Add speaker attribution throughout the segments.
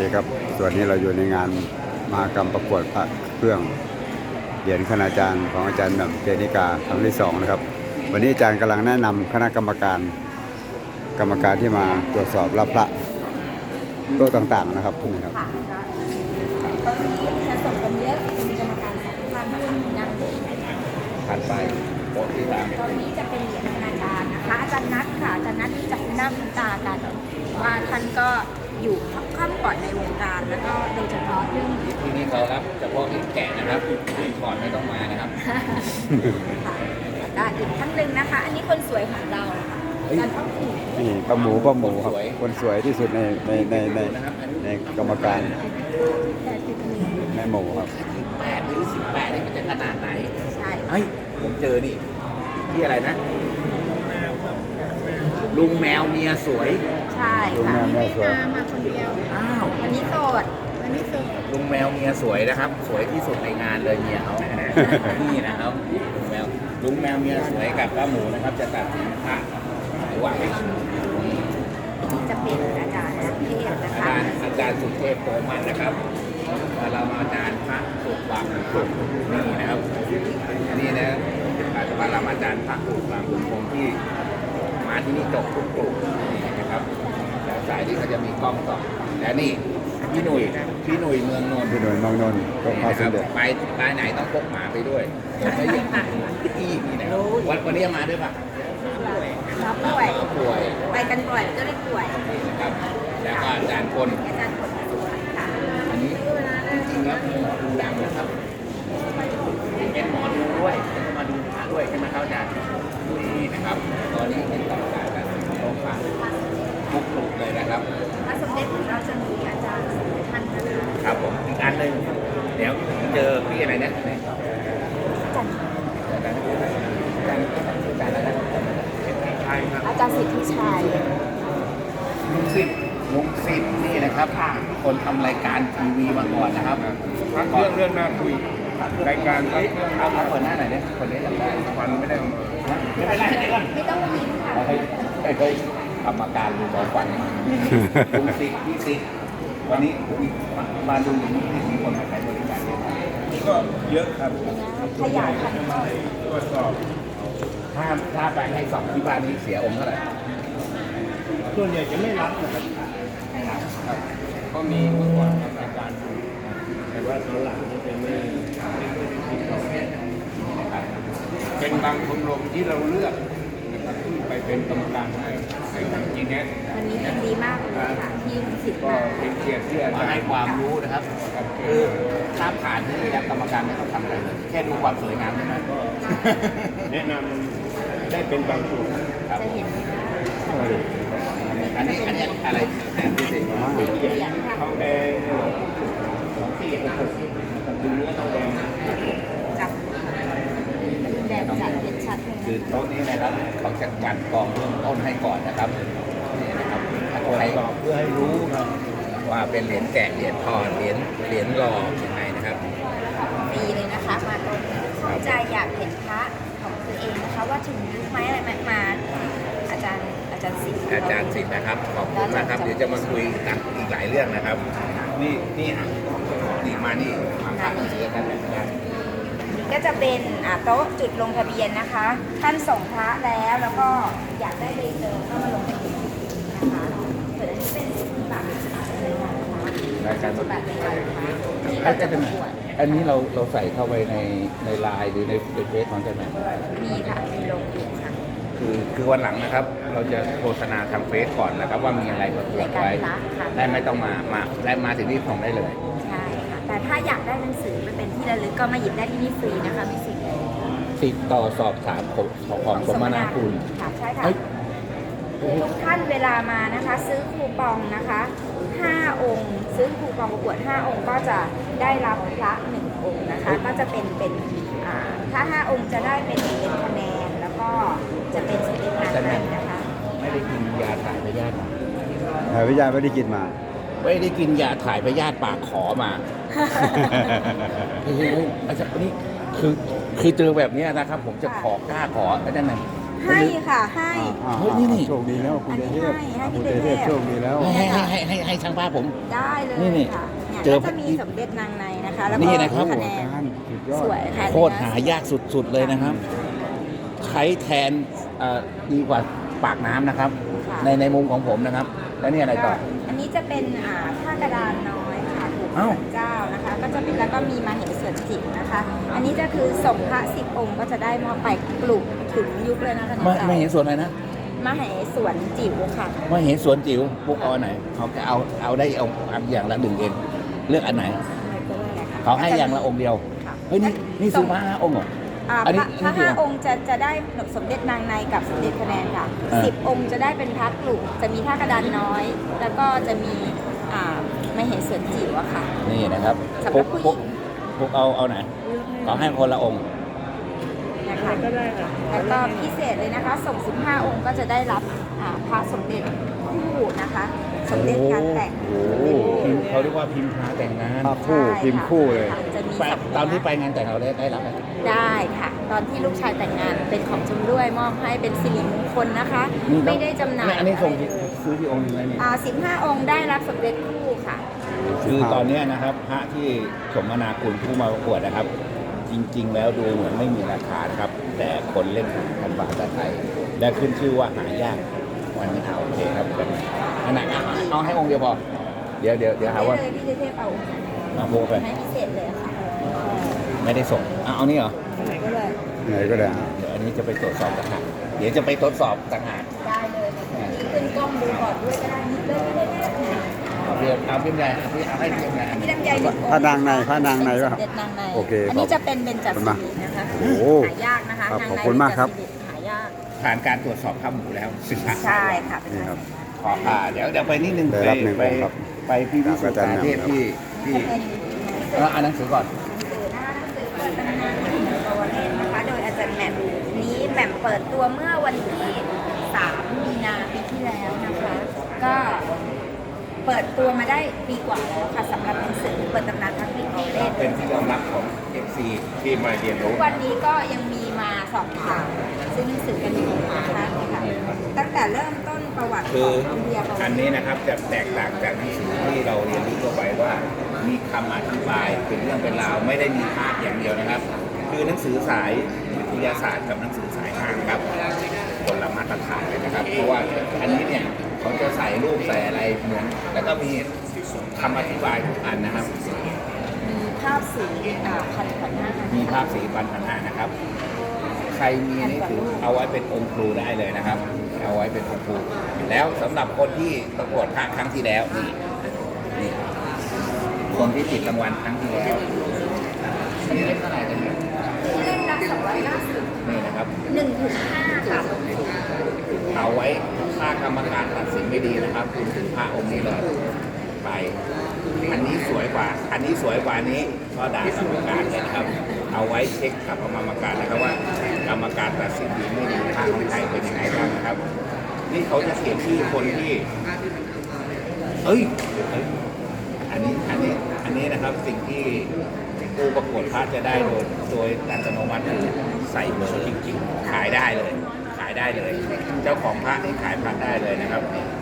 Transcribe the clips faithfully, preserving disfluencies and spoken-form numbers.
Speaker 1: ดีครับส่วนนี้เราอยู่ในงานมหกรรมประกวดพระเครื่องเหรียญคณาจารย์ของอาจารย์หม่ำเจนิกาครั้งที่สองนะครับวันนี้อาจารย์กำลังแนะนำคณะกรรมการกรรมการที่มาตรวจสอบรับพระโต๊ะต่างๆนะครับพวกนี้ครับ
Speaker 2: ค่ะตอนนี้ผสมกันเยอะมีกรรมการสองท่านซึ่งยัง
Speaker 3: ผ่านไปโต๊ะที่สาม
Speaker 2: ตอนนี้จะเป็นเหรียญคณาจารย์นะคะอาจารย์นัทค่ะอาจารย์นัทที่จะคุ้นหน้าคุ้นตากันว่าท่านก็อยู่ข้ามก่อนในวงการแล้วก็โดยเฉพาะเรื่อง
Speaker 3: ที่นี่เขารับเฉพาะเหรียญแกะนะครับก่อนไม่ต้องมานะครับ
Speaker 2: ค่ะอีกท่านหนึ่งนะคะ อันนี้คนสวยของเราค่ะอาจารย์ต้องถูก
Speaker 1: นี่ป้าหมูป้าหมูครับคนสวยที่สุดในในในในในกรรมการ
Speaker 2: แต่ติดมือ
Speaker 1: แม่หมูครับ
Speaker 3: แปดหรือสิบแปดนี่มันจะขนาดไหน
Speaker 2: ใช่
Speaker 3: เฮ้ยผมเจอนี่ที่อะไรนะ ลุงแมวเมียสวย
Speaker 2: ใช่
Speaker 1: ลุง
Speaker 2: ค่ะ
Speaker 1: แม่แม่สวย
Speaker 2: มาคนเดียว
Speaker 3: อ้าว
Speaker 2: วันนี้โสดวันนี้โสด
Speaker 3: ลุงแมวเมียสวยนะครับ สวยที่สุดในงานเลยเมียเขานี่นะครับลุงแมวลุงแมวเมียสวยกับป้าหมูนะครับ จะตัดสินพระไหว
Speaker 2: จะเป็นอาจารย์เทพนะ
Speaker 3: อา
Speaker 2: คะ
Speaker 3: จารย์อาจารย์สุเทพโตมันนะครับเรามาอาจารย์พระปลูกบางปลูกนี่นะครับอันนี้นะปรมาจารย์พระปลูกบางปลูกคงที่มาที่นี่จบทุกปลูกนี่นะครับแล้วสายนี้ก็จะมีกล้องต่อและนี่พี่หนุ่ยพี่หนุ่ยเมืองนนท์
Speaker 1: พี่หน่วยเมองนนท์ก็พาสมเด็จ
Speaker 3: ไปไปไหนต้องพกหมาไปด้วยผมไม่เยอะอีกนี่นะครับวันวันนี้มาด้วยปะ
Speaker 2: รับป่วย
Speaker 3: ป่วย
Speaker 2: ไปกันบ่อยก็เลยป่วย
Speaker 3: นี่นะครับแล้วก็อาจารย์พล
Speaker 2: อาจารย์ผลสวยค่ะ
Speaker 3: อันนี้จริงๆแล้วเป็นหมอดูดังนะครับ เป็นหมอดูด้วยเป็นมาดูพระด้วยใช่ไหมครับอาจารย์นี่นะครับ ตอนนี้เป็นต่อการกันโรงพยาบาลทุกลุกเลยนะครับ
Speaker 2: พระสมเด็จของเราจะมีอาจารย์ท่านนะคะ
Speaker 3: ครับผมอีกอันหนึ่งเดี๋ยวเจอพี่อะไรนะ
Speaker 2: อาจารย์
Speaker 3: อาจารย์อาจารย์อาจารย์อะไรนะใช่ครับ
Speaker 2: อาจารย์สิทธิชัย
Speaker 3: ลุงสิทธิ์ลุงสิทธิ์นี่นะครับ คนทำรายการทีวีมาก่อนนะครับ
Speaker 4: พักเรื่องเรื่องน่าคุยรายการพัก
Speaker 3: เอ้ย
Speaker 4: เรื่อง
Speaker 3: เอาเอาคนหน้าหน่อยเนี่ยคนนี้จำได้
Speaker 4: ฟันไม่ได้เอามา
Speaker 3: ไม่เป็นไรเดี๋ยวก่อน
Speaker 2: ไม่ต้องมีค่ะ
Speaker 3: เฮ้ยเฮ้ยเฮ้ยกรรมการดูบอลฟันลุงสิทธิ์พี่สิทธิ์วันนี้มามาดูอย่างนี้มีคนมาใช้บริการเยอะไหม
Speaker 4: ก็เยอะครับ
Speaker 2: ขยายพันธุ์ต่อ
Speaker 4: ตรวจสอบ
Speaker 3: ถ้าถ้าไปให้สองที่บ้านนี้เสียองค์เท่าไหร่
Speaker 4: ส่วนใหญ่จะไม่รับนะครับ
Speaker 3: ไม่รับครับ
Speaker 4: ก็มีเมื่อก่อนทำรายการดูแต่ว่าตอนหลังนี่จะไม่ไม่ค่อยได้ติดต่อเป็นบางชมรมที่เราเลือกนะครับที่ไปเป็นกรรมการให้ให้ทางจีเน็ต
Speaker 2: วันนี้ยินดีมากเลยค่ะที่สิทธิ์
Speaker 4: ก็
Speaker 2: มา
Speaker 4: เป็นเกียรติที่อา
Speaker 3: มา
Speaker 4: จาร
Speaker 3: ให้
Speaker 4: ย์
Speaker 3: ความรู้นะครับ คือถ้าผ่านที่นี่แล้วกรรมการไม่ต้องทำอะไรเลยแค่ดูความสวยงามเท่านั้น
Speaker 4: ก็แนะนำได้เป็นบางส่วน
Speaker 3: ครับ
Speaker 2: จะเห็น
Speaker 3: อันนี้อันนี้อะไรแทนที่สิ
Speaker 2: เหรียญค่ะ
Speaker 4: ทองแดงสองสี่หกหกดูเนื้อทองแดง
Speaker 2: จับแดงจัดเห็นชัดเลย
Speaker 3: คือโต๊ะนี้นะครับเขาจะกันกองเบื้องต้นให้ก่อนนะครับนี่นะครับถ้า
Speaker 4: ตรว
Speaker 3: ใคร
Speaker 4: จสอบเพื่อให้รู้ครับ
Speaker 3: ว่าเป็นเหรียญแกะเหรียญทองเหรียญเหรียญหล่อยังไงนะครับ
Speaker 2: ฟรีเลยนะคะ มาตรงเข้าใจอยากเห็นพระของตัวเองนะคะ ว่าถึงยุคไหมอะไรไหมมา อาจารย์อาจารย์สิทธิ์
Speaker 3: อาจารย์สิทธิ์นะครับขอบคุณนะครับเดี๋ยวจะมาคุยกันอีกหลายเรื่องนะครับ นี่นี่อ่ะนี่มานี่มาพักกันเสียกันแบบนี้
Speaker 2: ก็จะเป็นอ่าโต๊ะจุดลงทะเบียนนะคะ ท่านส่งพระแล้วแล้วก็อยากได้ใบเซอร์ก็มาลงทะเบียนนะคะส่วนอันนี้เป็นสิบบาทนะคะเลยนะคะ
Speaker 3: รายการ
Speaker 2: สิบบาทเลยนะคะที่
Speaker 3: อั
Speaker 2: เรา
Speaker 3: น
Speaker 2: จะ
Speaker 3: จะ
Speaker 2: ป
Speaker 3: เป็น
Speaker 2: ระกวด
Speaker 3: อันนี้เราเราใส่เข้าไปในในไลน์หรือในเฟซของอาจารย์ไหม
Speaker 2: มีค่ะมีลงอยู่ค่ะ
Speaker 3: คือคือวันหลังนะครับ เราจะโฆษณาทางเฟซก่อนนะครับ ว่ามีอะไรประกวดไว้
Speaker 2: รายการพระค่ะ
Speaker 3: ได้ไม่ต้องมามาได้มาถึงที่ของได้เลย
Speaker 2: ใช่ค่ะ แต่ถ้าอยากได้หนังสือไปเป็นที่ระลึกก็มาหยิบได้ที่นี่ฟรีนะคะไม่เสิทธิ์
Speaker 3: ติดต่อสอบถามของของสมนาคุณ
Speaker 2: ค่ะใช่ค่ะ
Speaker 3: เฮ้ย
Speaker 2: ทุกท่านเวลามานะคะ ซื้อคูปองนะคะห้าองค์ ซื้อคูปองประกวดห้าองค์ก็จะได้รับพระหนึ่งองค์นะคะ ก็จะเป็นเป็นอ่าถ้าห้าองค์จะได้เป็นเป็นคะแนนแล้วก็จะเป็นสติกเกอร์ให้นะคะ
Speaker 3: ไม่ได้กินยาถ่ายพยาธิมา
Speaker 1: หาวิทยาไม่ได้กินมา
Speaker 3: ไม่ได้กินยาถ่ายพยาธิปากขอมา เฮ้ยเฮ้ยอาจารย์นี่คือคือเจอแบบเนี้ยนะครับ ผมจะขอกล้าขออาจารย์หน่อย
Speaker 2: ให้ค่ะให้
Speaker 1: อ่า
Speaker 4: เฮ้ยนี่นี่
Speaker 1: โชคดีแล้วคุณเดเทพ
Speaker 2: อันนี้ให้ให้
Speaker 1: คุณ
Speaker 2: พี่
Speaker 1: เด
Speaker 2: เด
Speaker 1: เท
Speaker 2: เท
Speaker 1: พ
Speaker 2: พ
Speaker 1: โชคดีแล้ว
Speaker 4: ให้ให้ให้ให้ให้ช่างภาพผม
Speaker 2: ได้เลย
Speaker 4: นี่นี่
Speaker 2: ค่ะเนี่ย
Speaker 4: เจอ
Speaker 2: ก็จะมีสมเด็จนางในนะคะ แล้ว
Speaker 4: นี่
Speaker 2: ก็
Speaker 4: นะครับ
Speaker 2: คะแนน
Speaker 1: สุดยอด
Speaker 2: สวยค่ะ
Speaker 4: โคตรหายากสุดๆเลยนะครับ ใช้แทนเอ่อดีกว่าปากน้ำนะครับ
Speaker 2: ค่ะ
Speaker 4: ในในมุมของผมนะครับ แล้วนี่อะไรต่อ
Speaker 2: อันนี้จะเป็นอ่าผ้ากระดานน้อยค่ะปู่
Speaker 4: อ้าว
Speaker 2: ศาลเจ้านะคะ ก็จะเป็นแล้วก็มีมาเหส่วนจิ๋วนะคะ อันนี้จะคือส่งพระสิบองค์ก็จะได้มอบไปปลุกถึงยุคเลยนะคะ
Speaker 4: ไม่ไม่เห็นส่วนอะไรนะ
Speaker 2: มาเหส่วนจิ๋วค่ะ
Speaker 4: ไม่เห็นสวนจิ๋วปุ๊กเอาอันไหนเขาจะเอาเอาได้เอาเอาอย่างละหนึ่งเองเลือกอันไหนเขาให้อย่างละองค์เดียว
Speaker 2: ค่ะ
Speaker 4: เฮ้ยนี่นี่ซื้อมาห้าองค์เหรอ
Speaker 2: อ่า
Speaker 4: อัน
Speaker 2: พ
Speaker 4: นี้
Speaker 2: ระ
Speaker 4: อัน
Speaker 2: พ
Speaker 4: นี้
Speaker 2: ระ
Speaker 4: กี่
Speaker 2: ห้า
Speaker 4: องค์
Speaker 2: องค์จะจะได้สมเด็จนางในกับสมเด็จคะแนนค่ะ
Speaker 4: อ่า
Speaker 2: สิบองค์จะได้เป็นพระกลุ่มจะมีท่ากระดานน้อย แล้วก็จะมีอ่าไม่เห็นส่วนจิ๋วอะค่ะ
Speaker 4: นี่นะครับ
Speaker 2: สำหรับผู้หญิง
Speaker 4: ปุ๊กปุ๊กเอาเอาไหนเขาให้คนละองค์
Speaker 2: นะคะแล้วก็พิเศษเลยนะคะ ส่ง สิบห้า องค์ก็จะได้รับอ่าพระสมเด็จคู่นะคะ สมเด็จการแต่ง
Speaker 1: โอ้โห
Speaker 4: พิมพ์เขาเรียกว่าพิมพ์พาแต่งงาน
Speaker 1: ภาพคู่พิมพ์คู่เลย
Speaker 2: ค่ะจะมี
Speaker 4: ไป
Speaker 2: สอง
Speaker 4: ตอนที่ไปงานแต่งเราได้ได้รับไหม
Speaker 2: ได้ค่ะ ตอนที่ลูกชายแต่งงานเป็นของชำร่วยมอบให้เป็นสิริมงคลนะคะ
Speaker 4: นี่ต้อง
Speaker 2: ไม่ได้จำหน่าย
Speaker 4: อันนี้ส่ง
Speaker 2: อะไรเลย
Speaker 4: ซื้อที่องค์หนึงเลยนี่
Speaker 2: อ่าสิบห้า องค์ได้รับสมเด็จคู่ค่ะ
Speaker 4: คือตอนเนี้ยนะครับพระที่สมนาคุณผู้มาประกวดนะครับ จริง ๆ แล้วดูเหมือนไม่มีราคานะครับ แต่คนเล่นกันบาทไทย และขึ้นชื่อว่าหายากวันนี้เอาโอเคครับแบบนี้อันไหนเอาเอาให้องค์เดียวพอเดี๋ยวเดี๋ยวเดี๋ยวหาว่า
Speaker 2: ได้เลยพี่เทพเอา
Speaker 4: เอาโบไป
Speaker 2: ให้พิเศษเลยค่ะ
Speaker 4: ไม่ได้ส่งเอาเอานี่เหรอ
Speaker 2: ก็เลย
Speaker 1: ไหนก็ได้อ่ะ
Speaker 4: เดี๋ยวอันนี้จะไปตรวจสอบต่างหากเดี๋ยวจะไปตรวจสอบต่างหาก
Speaker 2: ได้เลยนี่ขึ้นกล้องดูก่อนด้วยก็ได้นี่เลยพี่เทพเนี่ย
Speaker 4: เอาเพียงเอาเพียงใหญ่เอาเพียงเอาให้เพียงใหญ่
Speaker 2: พี่ลำไยหนึ่งองค์
Speaker 1: พระนางในพระนางในวะ
Speaker 2: สมเด็จนางใน
Speaker 1: โอเค
Speaker 2: อันนี้จะเป็นเบญจ
Speaker 1: ขอบคุณ
Speaker 2: ศี
Speaker 1: มาก
Speaker 2: นะคะ
Speaker 1: โอ้โห
Speaker 2: หายากนะคะ
Speaker 1: ครับ
Speaker 2: นาง
Speaker 1: ขอบ
Speaker 2: ใน
Speaker 1: คุณมากครับ
Speaker 2: เบญจศีหายาก
Speaker 4: ผ่านการตรวจสอบข้ามหมูแล้วสิบห้า
Speaker 2: ใช่ค่ะ
Speaker 1: นี่ครับ
Speaker 4: ขออ่าเดี๋ยวเดี๋ยวไปนิดนึง
Speaker 1: ได้
Speaker 4: ไป
Speaker 1: รับหนึ่ง
Speaker 4: ไป
Speaker 1: องค์ครับ
Speaker 4: ไปพี่พิสุทธิ์สาเทพที่ที่
Speaker 2: จะเป็น
Speaker 4: เอออ่านหนังสือก่อน
Speaker 2: หนังสือนะคะหนังสือเปิดตำนานของโอเล่นนะคะ โดยอาจารย์แหม่มนี้แหม่มเปิดตัวเมื่อวันที่สามมีนาปีที่แล้วนะคะ ก็เปิดตัวมาได้ปีกว่าแล้วค่ะสำหรับหนังสือเปิดตำนานทักษิณโอเล่น
Speaker 4: เป็นที่ยอมรับของเอฟซีที่มาเรียน
Speaker 2: ทุ
Speaker 4: รู้
Speaker 2: กวันนี้ก็ยังมีมาสอบถามซื้อหนังสือกันอยู่นะคะตั้งแต่เริ่มต้นประวัติข
Speaker 4: คือ
Speaker 2: องอินเดียประวั
Speaker 4: อัน
Speaker 2: ติ
Speaker 4: นี้นะครับจะแตกต่างจากหนังสือที่เราเรียนรู้ทั่วไปว่า มีคำอธิบายเป็นเรื่องเป็นราวไม่ได้มีภาพอย่างเดียวนะครับ คือหนังสือสายวิทยาศาสตร์กับหนังสือสายทางครับคนละมาตรฐานเลยนะครับ เพราะว่าอันนี้เนี่ยเขาจะใส่รูปใส่อะไรเหมือนแล้วก็มีคำอธิบายทุกอันนะครับ
Speaker 2: มีภาพสีอ่าพันพันห้า
Speaker 4: มีภาพสีพันพันห้านะครับ ใครมีนี่ถือเอาไว้เป็นองค์ครูได้เลยนะครับ เอาไว้เป็นองค์ครู แล้วสำหรับคนที่ประกวดภาคครั้งที่แล้วนี่นี่คนที่ติดรางวัลครั้งที่แล้วนี่ได้เท่าไหร่กันเนี่ย
Speaker 2: เล่มละสองร้อยเก้าสิบ
Speaker 4: นี่นะครับ
Speaker 2: หนึ่งถึงห้าค่ะ
Speaker 4: เอาไว้ถ้ากรรมการตัดสินไม่ดีนะครับ คุณถึงพระองค์นี้เลยไป อันนี้สวยกว่า อันนี้สวยกว่านี้ก็ด่ากรรมการเลยนะครับ เอาไว้เช็คกับกรรมการนะครับว่ากรรมการตัดสินดีไม่ดีทางของไทยเป็นยังไงบ้างนะครับ นี่เขาจะเขียนชื่อคนที่ เอ้ยเอ้ย อันนี้อันนี้อันนี้นะครับสิ่งที่ผู้ประกวดพระจะได้โดยโดยอัตโนมัติคือใส่เบอร์จริงๆ ขายได้เลย ขายได้เลย เจ้าของพระนี่ขายพระได้เลยนะครับ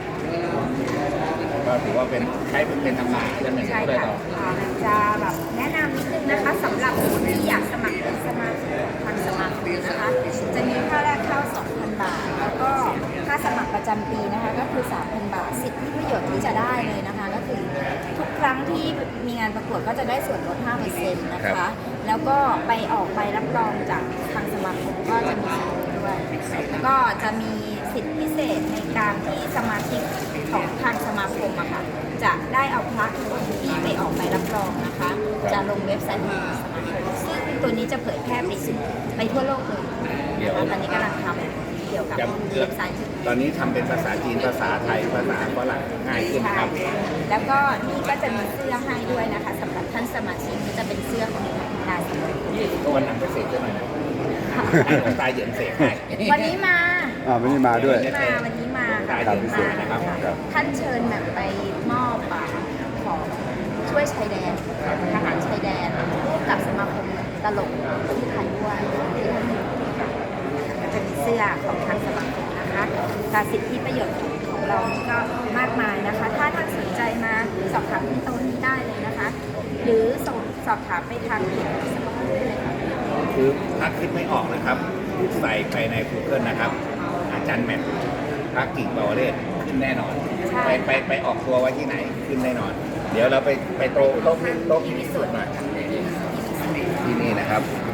Speaker 4: ก็ถือว่าเป็นใช้เป็นเป็นตำนานอันหนึ่ง
Speaker 2: ใช่
Speaker 4: เลย
Speaker 2: ค่ะ
Speaker 4: ต่อ
Speaker 2: อ่าจะแบบแนะนำนิดนึงนะคะสำหรับผู้ที่อยากสมัครเป็นสมาชิกทางสมาคมนะคะ จะมีค่าแรกเข้า สองพัน บาท แล้วก็ค่าสมัครประจำปีนะคะ ก็คือ สามพัน บาท สิทธิประโยชน์ที่จะได้เลยนะคะ ก็คือทุกครั้งที่มีงานประกวดก็จะได้ส่วนลด ห้าเปอร์เซ็นต์ นะคะ แล้วก็ไปออกใบรับรองจากทางสมาคมก็จะมีส่วนลดด้วย แล้วก็จะมีสิทธิพิเศษในการที่สมาชิกของทางสมาคมอะค่ะ จะได้เอาพระทุกองค์ที่ไปออกใบรับรองนะคะ จะลงเว็บไซต์ของสมาคมซึ่งตัวนี้จะเผยแพร่ไปสู่ไปทั่วโลกเลยนะคะตอนนี้กำลังทำเกี่ยวกับ
Speaker 4: จะ
Speaker 2: เว็บไซต์
Speaker 4: ตอนนี้ทำเป็นภาษาจีนภาษาไทยภาษาฝรั่งง่ายขึ้นนะครับ
Speaker 2: แล้วก็นี่ก็จะมีเสื้อให้ด้วยนะคะสำหรับท่านสมาชิกที่จะเป็นเสื้อของนายสมาคม
Speaker 4: ก็วันหลังไปเสกด้วยหน่อยนะให้หลวงตาเหยินเสกให้
Speaker 2: วันนี้มา
Speaker 1: อ่าวันนี้มาด้วย
Speaker 2: วันนี้มาวันนี้มาค่ะ
Speaker 4: ครับ
Speaker 2: วันนี้มานะคะ
Speaker 1: ครับ
Speaker 2: ท่านเชิญแบบไปมอบอ่าของช่วยชายแดนทหารชายแดนร่วมกับสมาคมตลกที่ไทยด้วยที่ท่านก็จะมีเสื้อของทางสมาคมนะคะแต่สิทธิประโยชน์ของเรานี่ก็มากมายนะคะ ถ้าท่านสนใจมาสอบถามที่โต๊ะนี้ได้เลยนะคะ หรือส่งสอบถามไปทางเพจสมาคมได้เลยค่ะ
Speaker 3: คือถ้าคิดไม่ออกนะครับ ใส่ไปใน Google นะครับ อาจารย์แมทพระกิ่งเบาเลศขึ้นแน่นอน
Speaker 2: ใช่
Speaker 3: ไปไปไปออกตัวไว้ที่ไหนขึ้นแน่นอน เดี๋ยวเราไปไปโต๊ะโต๊ะโต๊ะ
Speaker 2: ที่พิสูจน์
Speaker 3: หน่อยที่นี่นะครับ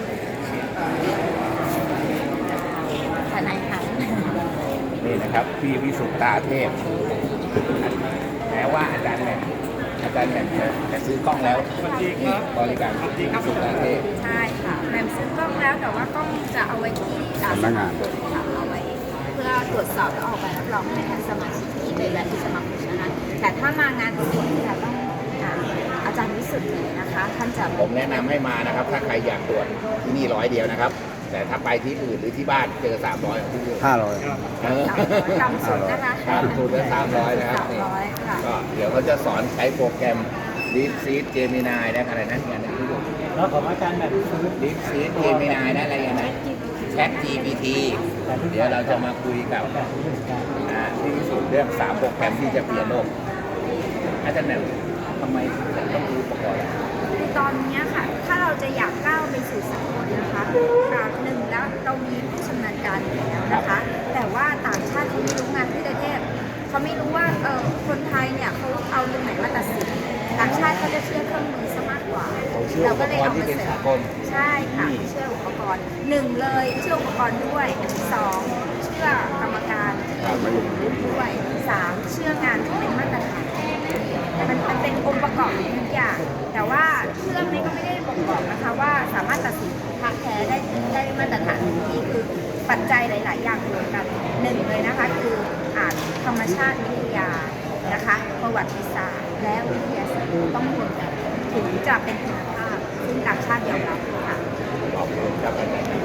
Speaker 2: ทนายค่ะ
Speaker 3: นี่นะครับพี่วิสุทธาเทพแม้ว่าอาจารย์แหม่มอาจารย์แหม่มจะจะซื้อกล้องแล้วบริการพี่วิสุทธาเทพ
Speaker 2: ใช่ค่ะแหม่มซื้อกล้องแล้วแต่ว่ากล้องจะเอาไว้ที่อ่
Speaker 1: สำนักงาน
Speaker 2: ค่ะเอาไว้เพื่อตรวจสอบและออกใบรับรองให้ทางสมาชิกที่เป็นและที่สมาคมนะคะแต่ถ้ามางานประกวดจะต้องอ่าอาจารย์วิสุทธิ์เลยนะคะท่านจะ
Speaker 3: ผมแนะนำให้มานะครับ ถ้าใครอยากตรวจที่นี่ร้อยเดียวนะครับ แต่ถ้าไปที่อื่นหรือที่บ้านเจอสามร้อยของที่อื่น
Speaker 1: ห้าร้อย
Speaker 3: เออ
Speaker 2: ต่ำสุดนะคะ
Speaker 3: ต่ำสุดก็สามร้อยนะครับ
Speaker 2: สามร้อยค่ะ
Speaker 3: ก็เดี๋ยวเขาจะสอนใช้โปรแกรม Deep Seed Gemini นะอะไรนะงานนี้ดู
Speaker 4: แล้วของอาจารย์แบบซื้อ
Speaker 3: Deep Seed Gemini นะอะไรอย่างนั้น Chat จี พี ที เดี๋ยวเราจะมาคุยกับอ่าที่พิสูจน์เรื่องสามโปรแกรมที่จะเปลี่ยนโลกอาจารย์แหม่มทำไมต้องรู้อุปกรณ์
Speaker 2: คือตอนนี้ค่ะ ถ้าเราจะอยากก้าวไปสู่สากลนะคะอ่าหนึ่งแล้วเรามีผู้ชำนาญการอยู่แล้วนะคะ แต่ว่าต่างชาติเขาไม่รู้งานที่ประเทศเขาไม่รู้ว่าเออคนไทยเนี่ยเขาเอาตรงไหนมาตัดสินต่างชาติเขาจะเชื่อเครื่องมือซะมากกว่า
Speaker 3: เชื่อ
Speaker 2: เรา
Speaker 3: อุป
Speaker 2: ก็เลย
Speaker 3: กร
Speaker 2: เอา
Speaker 3: ณ์ที่
Speaker 2: มา
Speaker 3: เป็น
Speaker 2: เสริ
Speaker 3: สาม กล
Speaker 2: ใช่ค่ะเชื่ออุปกรณ์หนึ่งเลยเชื่ออุปกรณ์ด้วยสองเชื่อกรรมการที่ถูกรุ่นด้วยสามเชื่องานที่เป็นมาตรฐานมันมันเป็นองค์ประกอบทุกอย่าง แต่ว่าเครื่องนี้ก็ไม่ได้บ่งบอกนะคะว่าสามารถตัดสินพระแท้ได้ได้มาตรฐานทันทีคือปัจจัยหลาย ๆ อย่างรวมกันหนึ่งเลยนะคะคืออ่านธรรมชาติวิทยานะคะประวัติศาสตร์และวิทยาศาสตร์ต้องรวมกันถึงจะเป็นคุณภาพซึ่งต่างชาติยอมรับค่ะ
Speaker 3: ขอบคุณครับอาจารย์